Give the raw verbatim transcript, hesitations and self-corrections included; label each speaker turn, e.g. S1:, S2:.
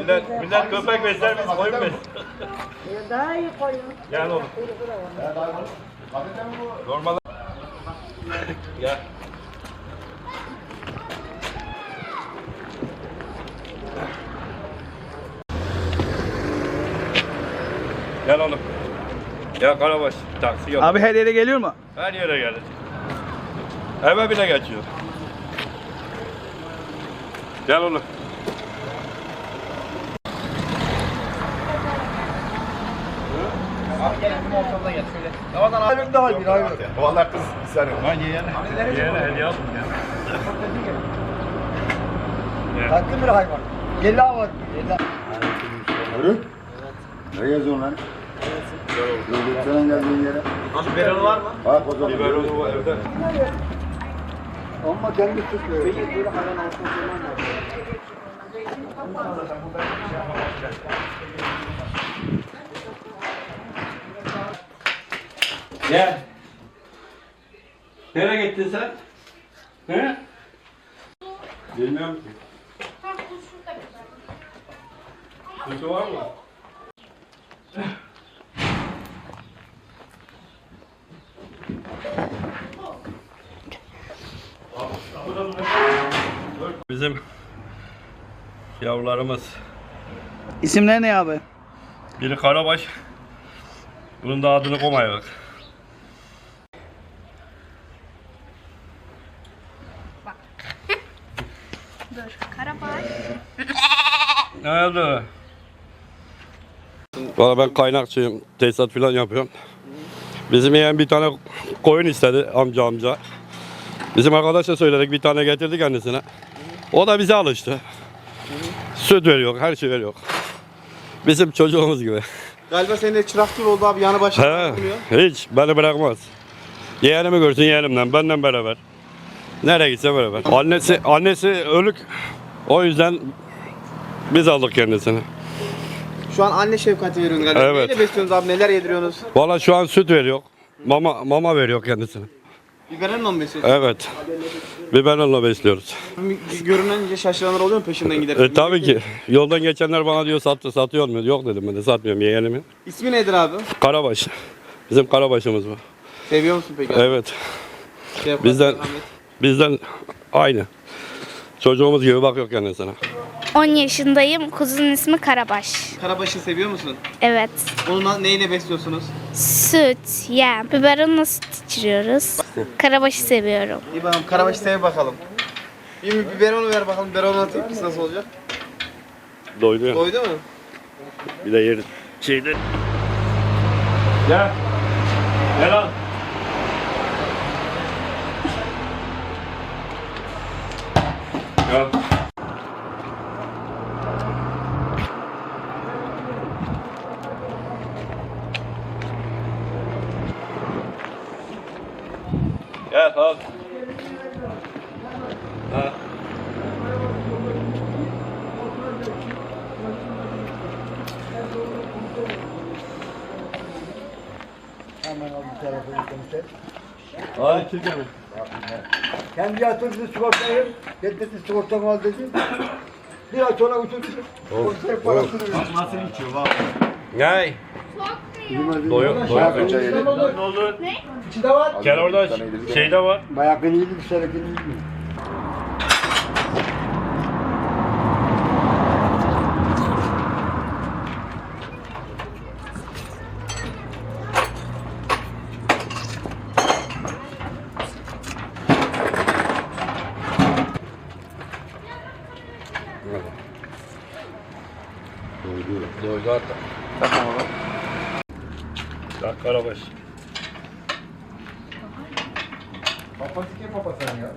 S1: Millet, millet köpek besler, biz koyun besler.
S2: Daha iyi koyun.
S1: Gel oğlum. Normal. Gel. Gel oğlum. Gel Karabaş. Taksi yok.
S3: Abi her yere geliyor mu?
S1: Her yere gelir. Eve bile geçiyor. Gel oğlum.
S4: Abi gelin bizim ortamda gel şöyle. Ramazan abi.
S5: Aylık daha bir aylık. Valla kız bir saniye.
S1: Ben yeğene. Yeğene hediye aldım ya.
S5: Tatlı bir hayvan. Yella var. Yella. Yürü. Ne geziyorsun lan? Evet. Senin geldiğin yere.
S4: Nasıl biberonu var mı?
S5: Bak o zaman.
S1: Biberonu var evde.
S5: Ama kendi tutuyor.
S4: Böyle hayvan altına koyman lazım.
S1: Gel. Nereye gittin sen? He? Bilmiyorum ki. Kutu var mı? Bizim yavrularımız.
S3: İsimler ne abi?
S1: Biri Karabaş. Bunun da adını koymaya bak.
S2: Dur, Karabaş.
S1: Ne oldu? Valla ben kaynakçıyım. Tesisat falan yapıyorum. Bizim yeğen bir tane koyun istedi amca amca. Bizim arkadaşa söyledik, bir tane getirdi kendisine. O da bize alıştı. Süt veriyor, her şey veriyor. Bizim çocuğumuz gibi.
S4: Galiba senin de çırak gibi oldu abi yanı başına.
S1: He, hiç beni bırakmaz. Yeğenimi görsün yeğenimden, benden beraber. Nereye gitse beraber. Annesi annesi ölük. O yüzden biz aldık kendisini.
S4: Şu an anne şefkati veriyorsun galiba.
S1: Evet.
S4: Neyle besliyorsunuz abi, neler yediriyorsunuz?
S1: Valla şu an süt veriyor. Mama mama veriyor kendisine.
S4: Biberonla mı besliyorsunuz?
S1: Evet. Biberonla besliyoruz.
S4: Görününce şaşıranlar oluyor mu peşinden giderken?
S1: E, tabii ki. Yoldan geçenler bana diyor sattı, satıyor mu? Yok dedim ben de satmıyorum yeğenimi.
S4: İsmi nedir abi?
S1: Karabaş. Bizim Karabaş'ımız bu.
S4: Seviyor musun peki abi?
S1: Evet.
S4: Şefkat,
S1: Bizden
S4: merhamet.
S1: bizden aynı. Çocuğumuz gibi bakıyor kendisine.
S2: on yaşındayım. Kuzunun ismi Karabaş.
S4: Karabaşı seviyor musun?
S2: Evet.
S4: Onu na- neyle besliyorsunuz?
S2: Süt, yem. Biberonla süt içiriyoruz. Karabaşı seviyorum.
S4: İyi bakalım karabaşı sev bakalım. Bir biberonu ver bakalım. Biberonla tepkisi nasıl olacak?
S1: Doydu ya.
S4: Doydu mu?
S1: Bir de yeri şeyde. Gel. Gel al. Gel. Gel al. Ha.
S5: Hemen al bir telefonu konuşayım.
S1: Hadi çık hemen.
S5: Kendi yatırdı sigortayı. Getirdi sigortamı al dedi. Bir ay sonra uçurdu. Sigortaya parasını verdi.
S1: Gel. Doyuyor. Doyuyor. Ne oldu?
S5: İçinde var.
S1: Gel orada şeyde var.
S5: Bayağı iyiydi bir sene iyiydi.
S1: Doydu. Doydu hatta.
S4: Tamam abi.
S1: Bak Karabaş.
S5: Papası kim papası ya?